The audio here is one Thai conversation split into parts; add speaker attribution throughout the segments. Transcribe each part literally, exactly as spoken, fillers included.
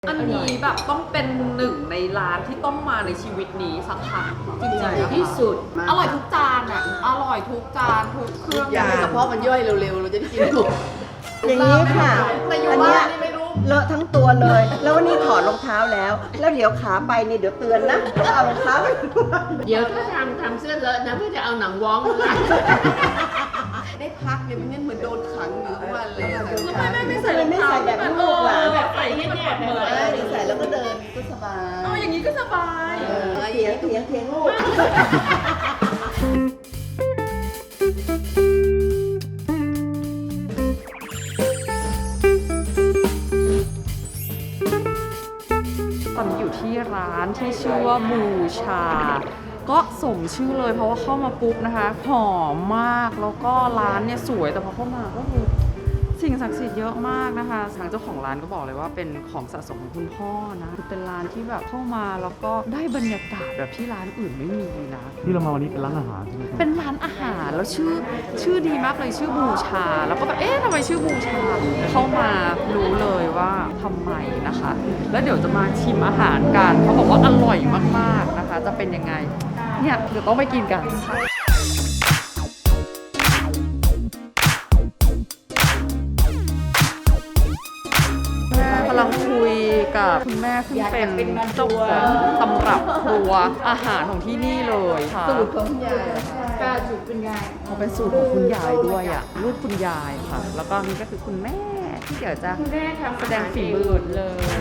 Speaker 1: อันนี้แบบต้องเป็นหนึ่งในร้านที่ต้องมาในชีวิตนี้สักครั้งจริงๆที่สุดอร่อยทุกจานอ่ะอร่อยทุกจานทุกเครื่อง
Speaker 2: อยากให้กระเพาะมันย่อยเร็วๆเราจะได้กินถูก
Speaker 3: อย่างนี้ค่ะ
Speaker 1: แต่อยู่
Speaker 3: อัน
Speaker 1: บ้า
Speaker 3: เนี้ย
Speaker 1: นนี่ไม่รู้
Speaker 3: เลอะทั้งตัวเลย แล้ววันนี้ถอดรองเท้าแล้ว แล้วเดี๋ยวขาไปนี่เดี๋ยวเตือนนะว่าเอารองเท้าไปด้วย
Speaker 2: เดี๋ยวถ้าทำทำเสื้อเลอะนะเพื่อจะเอาหนังว้องมาได้พักเนี่ยไม่งั้นเหมือนโดนขังอยู่ทุกวันเลย
Speaker 1: ทำไมไม่ไม่ใส่รอง
Speaker 3: ไม่
Speaker 1: เท้า
Speaker 3: ใส่แบบลูกล่ะ
Speaker 1: แบบใส่ให้แนบเหมือน
Speaker 2: เออเดี๋ยวใส่แล้วก็เดินก็สบาย
Speaker 1: เอออย่างนี้ก็สบาย
Speaker 2: เออ
Speaker 3: เถียงเถียงเถียงลูก
Speaker 1: ตอนนี้อยู่ที่ร้านที่ชื่อว่าบูชา ก็สมชื่อเลยเพราะว่าเข้ามาปุ๊บนะคะหอมมากแล้วก็ร้านเนี่ยสวยแต่พอเข้ามาก็คือสิ่งศักดิ์สิทธิ์เยอะมากนะคะทางเจ้าของร้านก็บอกเลยว่าเป็นของสะสมของคุณพ่อนะคือเป็นร้านที่แบบเข้ามาแล้วก็ได้บรรยากาศแบบที่ร้านอื่นไม่มีนะ
Speaker 4: ที่เรามาวันนี้เป็นร้านอาหารใช่ไหมครับ
Speaker 1: เป็นร้านอาหารแล้วชื่อชื่อดีมากเลยชื่อบูชา แล้วก็แบบเอ๊ะทำไมชื่อบูชาเข้ามารู้เลยว่าทำไมนะคะ แล้วเดี๋ยวจะมาชิมอาหารกันเขาบอกว่าอร่อยมากๆนะคะ จะเป็นยังไงเนี่ยเดี๋ยวต้องไปกินกันแม่กำลังคุยกับคุณแม่ซึ่งเป็นเจ้าของตำรับครัวอาหารของที่นี่เลยค่ะ
Speaker 2: สูตรของคุณยายกาสูตรคุณยาย
Speaker 1: เขาเป็นสูตรของคุณยายด้วยอ่ะรูปคุณยายค่ะ แล้วก็นี่ก็คือคุณแม่ที่เดี๋ยวจะ
Speaker 2: คุณแม่ทำ
Speaker 1: แสดงฝีมือเลย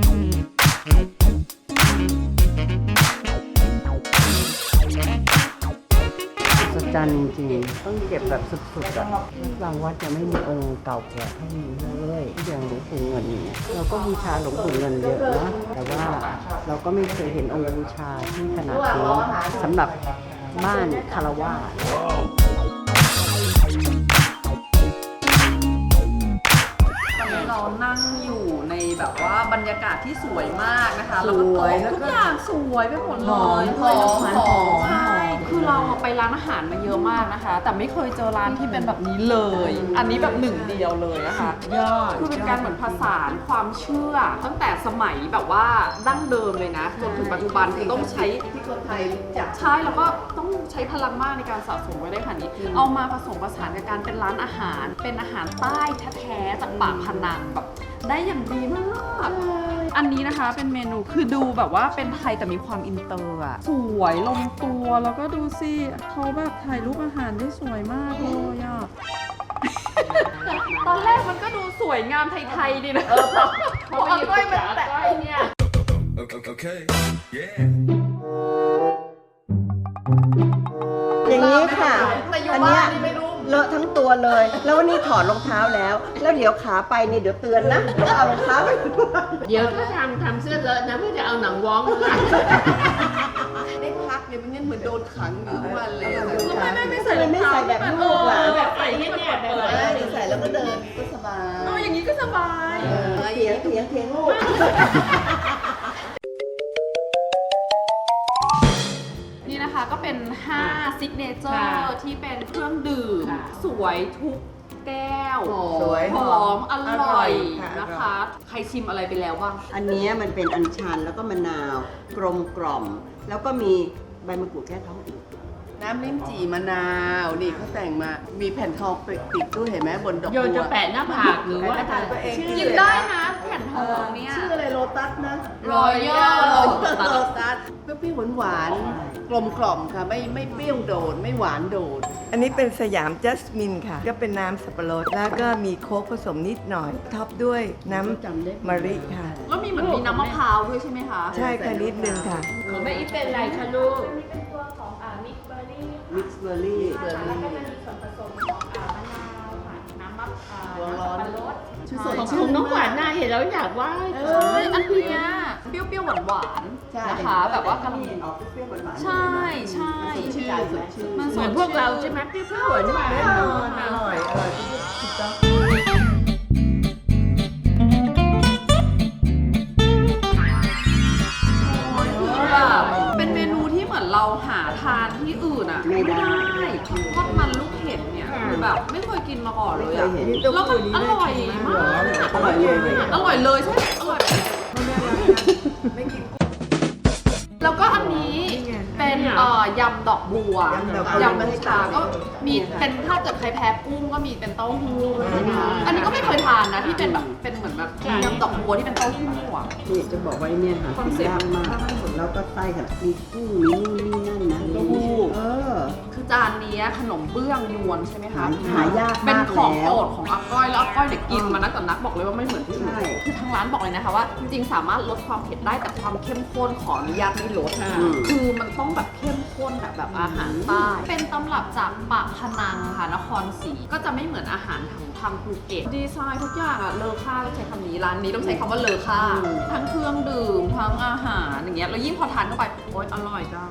Speaker 1: สุดจันจริงๆต้องเก็บแบบสุดๆอ่ะบางวัดจะไม่มีองค์เก่าแก่เท่านี้เลยอย่างหลวงปู่เงินอย่างเงี้ยเราก็บูชาหลวงปู่เงินเยอะนะแต่ว่าเราก็ไม่เคยเห็นองค์บูชาที่ขนาดนี้สำหรับบ้านคารวาส ตอนนี้เรานั่งอยู่ในแบบว่าบรรยากาศที่สวยมากนะคะแล้วก็โต๊ะทุกอย่างสวยไปหมดเลย
Speaker 2: หอมหอม
Speaker 1: ใช่คือเราไปร้านอาหารมาเยอะมากนะคะ แต่ไม่เคยเจอร้านที่เป็นแบบนี้เลย อันนี้แบบหนึ่งเดียวเลยนะคะ
Speaker 2: ยอด
Speaker 1: คือเป็นการเหมือนผสานความเชื่อ ตั้งแต่สมัยแบบว่าดั้งเดิมเลยนะจนถึงปัจจุบันคือต้องใช้
Speaker 2: ที่คนไทยรู้จัก
Speaker 1: ใช่แล้วก็ต้องใช้พลังมากในการสะสมไว้ได้ขนาดนี้ เอามาผสมผสานกับการเป็นร้านอาหาร เป็นอาหารใต้แท้ๆจากปากพนังแบบได้อย่างดีมาก อันนี้นะคะเป็นเมนูคือดูแบบว่าเป็นไทยแต่มีความอินเตอร์อะสวยลงตัวแล้วก็ดูสิเขาแบบถ่ายรูปอาหารได้สวยมากเลยอะ ตอนแรกมันก็ดูสวยงามไทยๆดีนะพอเอาก้อยมาแตะเนี่ย
Speaker 5: Okay. Yeah.
Speaker 3: อย่างนี้ค่ะ
Speaker 1: แต่อยู่
Speaker 3: อัน
Speaker 1: บ้า
Speaker 3: เนี้ย
Speaker 1: นนี่ไม่รู้
Speaker 3: เลอะทั้งตัวเลย แล้ววันนี้ถอดรองเท้าแล้ว แล้วเดี๋ยวขาไปนี่เดี๋ยวเตือนนะว่าเอารองเท้าไปด้วย
Speaker 2: เดี๋ยวถ้าทำทำเสื้อเลอะนะเพื่อจะเอาหนังว้องมาได้พักเนี่ยไม่งั้นเหมือนโดนขังอยู่ทุกวันเลย
Speaker 1: ทำไมไม่ไม่ใส่
Speaker 3: ทำไมไม่ใส่แบบลูกล่ะ
Speaker 1: แบบใส่ให้แนบเหมือน
Speaker 2: เออเดี๋ยวใส่แล้วก็เดินก็สบาย
Speaker 1: เอออย่างนี้ก็สบาย
Speaker 2: เออ
Speaker 3: เถียงเถียงเถียงลูก
Speaker 1: นี่นะคะก็เป็นห้าซิกเนเจอร์ที่เป็นเครื่องดื่ม สวยทุกแก้ว
Speaker 2: สวย
Speaker 1: หอมอร่อย
Speaker 3: ค่ะ
Speaker 1: นะคะ ใครชิมอะไรไปแล้วบ้าง
Speaker 3: อันเนี้ยมันเป็นอัญชันแล้วก็มะนาวกลมกล่อม แล้วก็มีใบมะกรูดแก้ท้องอืด
Speaker 2: น้ำลิ้มจี่มะนาว นี่เขาแต่งมา มีแผ่นทองติดด้วยเห็นไหมบนดอกบัว
Speaker 6: โยนจะแปะหน้าผากหรือว่า
Speaker 2: แปะหน้าผากตัวเอง
Speaker 1: กินได้นะแผ่นทองเนี่ย
Speaker 2: ชื่ออะไรโลตัสนะ
Speaker 1: Royal
Speaker 2: โล
Speaker 1: Lotus
Speaker 2: ตัสเปรี้ยวๆหวานๆกลมกล่อมค่ะ ไม่ไม่เปรี้ยวโดด ไม่หวานโดด
Speaker 7: อันนี้เป็นสยามจัสมินค่ะ ก็เป็นน้ำสับปะรด แล้วก็มีโค้กผสมนิดหน่อย ท็อปด้วยน้ำมะริค่ะ
Speaker 1: แล้วมีเหมือนมีน้ำมะพร้าวด้วยใช่ไหมคะ
Speaker 7: ใช่ค่ะนิดนึงค่ะ
Speaker 6: ของแม่อีฟเป็นอะไรคะลูก
Speaker 3: มิกซ์เบอร์รี่
Speaker 2: ร้อน
Speaker 6: ของของน้องหวานน่าเห็นแล้วอยากไหว่า
Speaker 1: เอ้ยอันเนี้ยเปรี้ยวๆหวานๆนะคะ แบบว่ากำลัง
Speaker 3: ออกเปรี้ยวๆหวานๆ
Speaker 1: ใช่ใช่
Speaker 2: ชื่อสดชื่น
Speaker 1: มัน
Speaker 6: เห
Speaker 1: ส
Speaker 6: มือ
Speaker 1: ด
Speaker 6: นพวกเราใช่ไหมเปรี้ยวๆหวานหวาน
Speaker 2: แน่นอนอร่อย อร่อยถูกต้อง
Speaker 1: คือแบบเป็นเมนูที่เหมือนเราหาทานที่อื่นอ่ะ
Speaker 3: ไม่ได้
Speaker 1: ทอดมันลูกเห็ดเนี่ยคือแบบไม่เคยกินมาก่อนเลยอ่ะ
Speaker 3: ไม่เคยเห็น
Speaker 1: แล้วมันอร่อยมาก
Speaker 3: อร่อยเลย
Speaker 1: อร่อยเลยใช่อร่อย
Speaker 7: ไม่กิน
Speaker 1: แล้วก็อันนี้เป็นเอ่อยำดอกบัวย
Speaker 7: ำดอกบัวย
Speaker 1: ำบัญชาก็มีเป็นถ้าเกิดใครแพ้กุ้งก็มีเป็นเต้าหู้นะคะอันนี้ก็ไม่เคยทานนะที่เป็นแบบเป็นเหมือนแบบยำดอกบัวที่เป็นเต้าหู้อ่ะ
Speaker 3: นี่จะบอกว่าเนี่ยหากินยากมากแล้วก็ไส้ค่ะมีกุ้งมีนู่นนี่นั่นนะ
Speaker 1: เต้าหู้
Speaker 3: เออ
Speaker 1: คือจานนี้ขนมเบื้องยวนใช่ไหมคะ
Speaker 3: หาหายาก
Speaker 1: เป็น
Speaker 3: มาก
Speaker 1: ของ
Speaker 3: แล้ว
Speaker 1: โปรดของอาก้อยแล้วอาก้อยเด็กกินมานักต่อนักบอกเลยว่าไม่เหมือนที่อื่น
Speaker 3: ใช่
Speaker 1: คือทางร้านบอกเลยนะคะว่าจริงๆสามารถลดความเผ็ดได้แต่ความเข้มข้นขออนุญาตไม่ลด
Speaker 3: อืม
Speaker 1: คือมันต้องแบบเข้มข้นแบบแบบอาหารใต้เป็นตำรับจากปากพนังค่ะนครศรีก็จะไม่เหมือนอาหารทางทางภูเก็ตดีไซน์ทุกอย่างอะเลอค่าต้องใช้คำนี้ร้านนี้ต้องใช้คำว่าเลอค่าทั้งเครื่องดื่มทั้งอาหารอย่างเงี้ยแล้วยิ่งพอทานเข้าไปโอ๊ยอร่อยจัง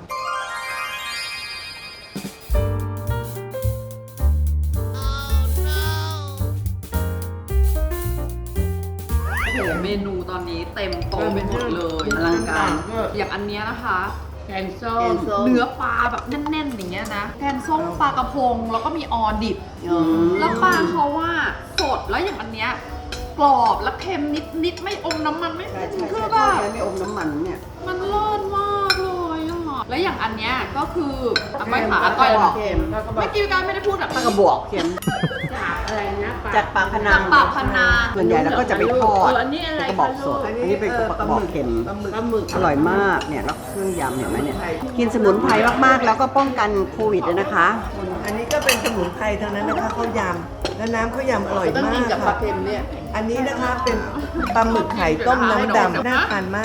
Speaker 1: โอ้โหเมนูตอนนี้เต็มโต๊ะไปหมดเลย
Speaker 3: อลังการ
Speaker 1: อย่างอันเนี้ยนะคะ
Speaker 6: แกงส้
Speaker 3: แก
Speaker 6: ม
Speaker 3: งส้ม
Speaker 1: เนื้อปลาแบบแน่นๆอย่างเงี้ยนะแกงส้มปลากระพงแล้วก็มีออดิบ
Speaker 3: อืม
Speaker 1: แล้วปลาเขาว่าสดแล้วอย่างอันเนี้ยกรอบแล้วเค็มนิดๆไม่อมน้ำมันไม่
Speaker 3: ใช่ใช่
Speaker 1: คื
Speaker 3: ใช่
Speaker 1: อแบ
Speaker 3: ใช่
Speaker 1: บ
Speaker 3: ไม่อมน้ำมันเนี่ย
Speaker 1: มันเลิศมากเลยอ่ะแล้วอย่างอันเนี้ยก็คืออาก้อยขาอาก้อยเหรอ
Speaker 3: เค็ม
Speaker 1: เมื่อกี้การไม่ได้พูดแบบ
Speaker 3: ปลากระบอกเค็ม
Speaker 6: จากอะไรนะปลา
Speaker 3: จากปากพนั
Speaker 1: จาง กปากพนัง
Speaker 3: ส่วนใหญ่เราก็จะไปทอด
Speaker 6: เอออันนี้อะไร
Speaker 3: เป็นกระบอก
Speaker 6: คะ
Speaker 3: ส
Speaker 6: ลู
Speaker 3: ด
Speaker 6: ก
Speaker 3: อันนี้เป็นกระบอกเค็ม
Speaker 7: ปลาหมึก
Speaker 6: ปลาหมึก
Speaker 3: อร่อยมากเนี่ยแล้วเครื่องยำเห็นไหมเนี่ยกินสมุนไพรมากๆแล้วก็ป้องกันโควิดด้วยนะคะ
Speaker 7: อันนี้ก็เป็นสมุนไพรทั้งนั้นนะคะข้าวยำแล้วน้ำข้าวยำอร่อย
Speaker 2: ต้อง
Speaker 7: มา
Speaker 2: กิน
Speaker 7: ก
Speaker 2: กับปลา
Speaker 7: ค่ะ
Speaker 2: เค็มเนี่ย
Speaker 7: อันนี้นะคะเป็นปลาหมึกไข่ต้มน้ำดำน่าทานมาก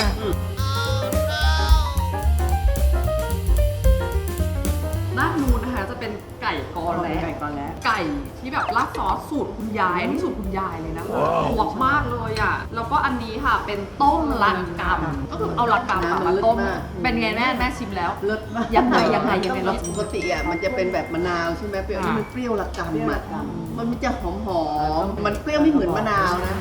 Speaker 1: ด้านนู้นนะคะจะเป็นไก่กอแล้
Speaker 3: ไก่กอแล้
Speaker 1: ไก่ที่แบบราดซอสสูตรคุณยายอันนี้สูตรคุณยายเลยนะคะหวกมากเลยอ่ะแล้วก็อันนี้ค่ะเป็นต้มลัดกำก็คือเอาลัดกำอะมาต้มเป็นไงแม่แม่ชิมแล้ว
Speaker 2: เลิศมาก
Speaker 1: ยังไงยังไงยังไง
Speaker 2: แล้วปกติอ่ะมันจะเป็นแบบมะนาวใช่ไหมเปรี้ยว
Speaker 1: อ่า
Speaker 2: นี่มันเปรี้ยวละกำอ่ะมันจะหอมหอมๆมันเปรี้ยวไม่เหมือนมะนาวนะ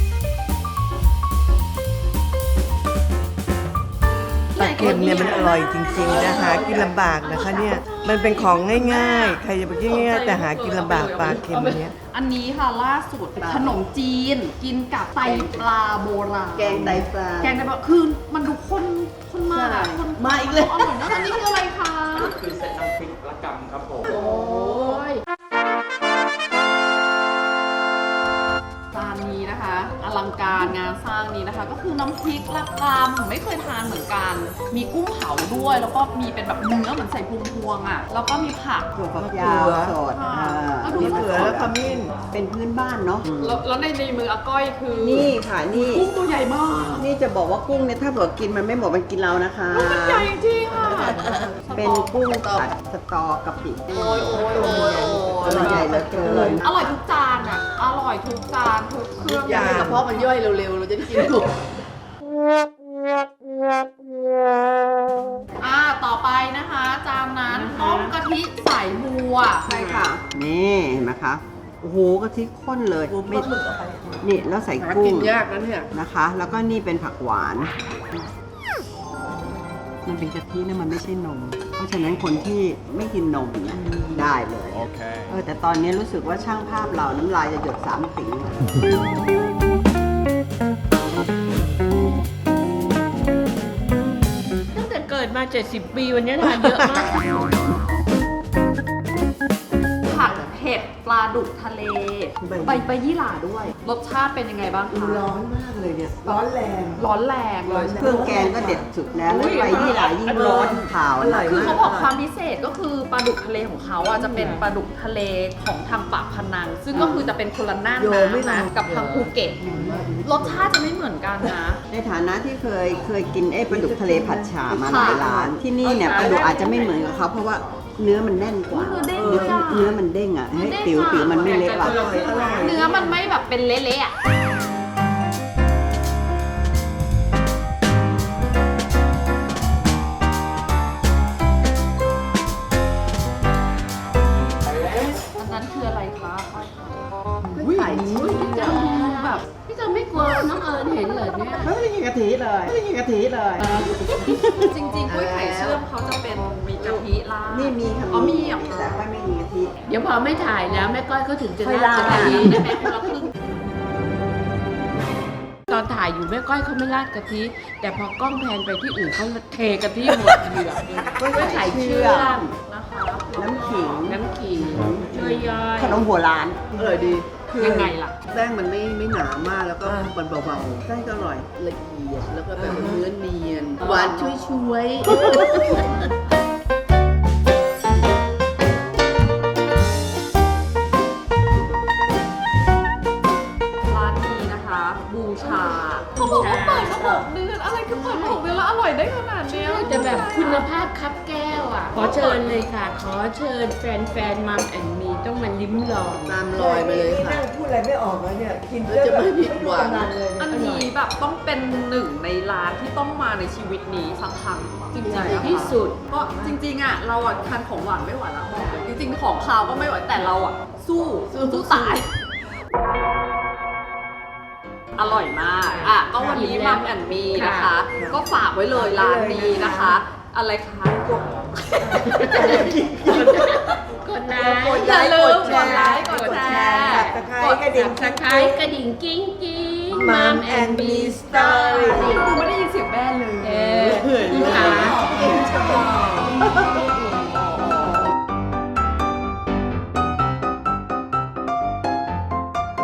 Speaker 7: ปลาเค็มเนี่ยมันอร่อยจริงๆนะคะกินลำบากนะคะเนี่ยมันเป็นของง่ายๆ ใครจะไปกินง่ายๆแต่หากินลำบากปลาเค็มอันเนี้ย
Speaker 1: อันนี้ค่ะล่าสุดขนมจีนกินกับไตปลาโบราณ
Speaker 3: แกงไตปลา
Speaker 1: แกงไตปลาคือมันดูข้นข้นมากอะ
Speaker 3: ใช่
Speaker 1: ข้น
Speaker 2: มาอีกเลย
Speaker 1: อร่อยนะอันนี้คืออะไรคะ
Speaker 4: คือเซตน้ำพริกละกำครับผม
Speaker 1: โอ้ยจานนี้นะคะอลังการงานสร้างนี้นะคะ ก็คือน้ำพริกละกำไม่เคยทานเหมือนกัน มีกุ้งเผาด้วย แล้วก็มีเป็นแบบเนื้อเหมือนใส่พวงๆอ่ะแล้วก็มีผัก
Speaker 3: ถั่วฝักยาวสด
Speaker 1: ค่ะ
Speaker 3: อ่า
Speaker 1: แล้วดู
Speaker 7: มีเกลือแล้วขมิ้น
Speaker 3: เป็นพื้นบ้านเนาะ
Speaker 1: แล้วแล้วในในมืออาก้อยคือ
Speaker 3: นี่ค่ะนี่
Speaker 1: กุ้งตัวใหญ่มาก
Speaker 3: นี่จะบอกว่ากุ้งเนี่ยถ้าเกิดกินมันไม่หมดมันกินเรานะคะ
Speaker 1: มันใหญ่จริงค่ะ
Speaker 3: เป็นกุ้งผัดสตอกะปิ
Speaker 1: โอ้ยโอ้ยโอ้ยโอ้ย
Speaker 3: ตัวใหญ่เหลือเกิน
Speaker 1: อร่อยทุกจานอ่ะ อร่อยทุกจานทุกเครื่อง
Speaker 2: อยากให้กระเพาะมันย่อยเร็วๆ เราจะได้กินถูก
Speaker 1: อ่าต่อไปนะคะ จานนั้นต้มกะทิใส่บัวใช่ค่ะ
Speaker 3: นี่เห็นไหมคะโอ้โหกะทิข้นเลยไม่นี่แล้วใส่
Speaker 2: หา
Speaker 3: กุ้
Speaker 2: กิ
Speaker 3: ง
Speaker 2: นยากนะเนี่ย
Speaker 3: นะคะ แล้วก็นี่เป็นผักหวาน มันเป็นกะทินะมันไม่ใช่นม เพราะฉะนั้นคนที่ไม่กินนมเนี่ยได้เลย
Speaker 5: Okay.
Speaker 3: เออแต่ตอนนี้รู้สึกว่าช่างภาพเราน้ำลายจะหยดสามสิง
Speaker 6: ตั้งแต่เกิดมา เจ็ดสิบ ปีวันนี้ทานเยอะมาก
Speaker 1: ผัดเผ็ดปลาดุกทะเล ใบใบยี่หร่าด้วย รสชาติเป็นยังไงบ้างคะ
Speaker 7: ร้อนมากเลยเนี่ยร้อนแรง
Speaker 1: ร้อนแรงเลย
Speaker 3: เครื่องแกงก็เด็ดสุดแล้วแล้วไปที่หลายยิ่งร้อนข่าว
Speaker 7: อร่อย
Speaker 1: คือ
Speaker 7: มาก
Speaker 1: เขาบอกความพิเศษก็คือปลาดุกทะเลของเขาอ่ะจะเป็นปลาดุกทะเลของทางปากพนัง ซึ่งก็คือจะเป็นคนละหน้า
Speaker 7: โยไม่
Speaker 1: น้ำนะ
Speaker 7: ลง
Speaker 1: กับทางภูเก็ตรสชาติจะไม่เหมือนกันนะ
Speaker 3: ในฐานะที่เคยเคยกินไอ้ปลาดุกทะเลผัดฉ่ามาหลายร้าน ที่นี่เนี่ยปลาดุกอาจจะไม่เหมือนกับเขาเพราะว่าเนื้อมันแน่นกว่า
Speaker 1: เนื้อเด้ง
Speaker 3: เนื้อ
Speaker 1: อะ
Speaker 3: เนื้อมันเด้งอ่ะเฮ้ยติ๋วติ๋วมันไม่เละว่ะ
Speaker 1: เนื้อมันไม่แบบเป็นเละๆอ่ะอันนั้นคืออะไรคะ
Speaker 2: ไข่ชิ้น
Speaker 1: จะดูแบบ
Speaker 6: พี่จะไม่กลัวน้องเอิญเห็นเหรอเนี่ย
Speaker 3: ไม่ได้กินกะทิเลยไม่ได้กินกะทิเลย
Speaker 1: จริงๆกล้วยไข่เชื่อมเขาจะเป็นมีกะทิราด
Speaker 3: นี่มีค่ะ
Speaker 1: อ๋อมีเหรอ
Speaker 3: แต่ว่าไม่มีกะทิ
Speaker 6: เดี๋ยวพอไม่ถ่ายแล้วแม่ก้อยก็ถึงจะ
Speaker 3: ค่อย
Speaker 6: น่าจะ
Speaker 3: ลา
Speaker 6: ถ่าย
Speaker 1: ได้ไหมคนละครึ่ง
Speaker 6: ตอนถ่ายอยู่แม่ก้อยเขาไม่ราดกะทิ แต่พอกล้องแพนไปที่อื่นเขาเทกะทิหมดเหลือไม่ใส่เชื่อม
Speaker 1: นะคะ
Speaker 3: น้ำขิง
Speaker 6: น้ำขิงช่วยย่อย
Speaker 3: ขนมหัวล้าน
Speaker 2: อร่อยดีคือ
Speaker 1: ยังไงล่ะ
Speaker 2: แป้งมันไม่ไม่หนามากแล้วก็มันเบาๆแป้งก็อร่อยละเอียดแล้วก็แบบเนื้อเนียนหวานช่วยช่วยๆ
Speaker 1: ร้านนี้นะคะบูชาเขาบอกว่าเปิดมาหกเดือนอะไรคือเปิดมาหกเดือนแล้วอร่อยได้ขนาดเนี้ย
Speaker 6: จะแบบคุณภาพคับแก้วอ่ะ ขอเชิญเลยค่ะ ขอเชิญแฟนๆมัมแอนมีต้องมาลิ้มลอง
Speaker 2: ตามรอยมาเลยค่ะ
Speaker 7: พูดอะไรไม่ออกแล้วเนี่ย กิน
Speaker 2: แล้วจะไม่ผิดหวัง
Speaker 1: อันนี้แบบต้องเป็นหนึ่งในร้านที่ต้องมาในชีวิตนี้สักครั้งจริงๆ
Speaker 6: ที่สุด
Speaker 1: ก็จริงๆอ่ะเราอ่ะทานของหวานไม่ไหวแล้วจริงๆของคาวก็ไม่ไหวแต่เราอ่ะสู้สู้ตาย อร่อยมาก อ่ะ ก็วันนี้มัมแอนมีนะคะ ก็ฝากไว้เลยร้านนี้นะคะ อะไรคะกด
Speaker 6: กดไลค์
Speaker 1: อย่าลืมกดไลค์กดแชร์
Speaker 7: ตะไคร้กระดิ่ง
Speaker 6: สับสไครต์กระดิ่งกิ้งกิ้ง
Speaker 7: Mom and Me Story
Speaker 1: กูไม่ได้ยินเสียงแม่เลย
Speaker 6: เออค่ะ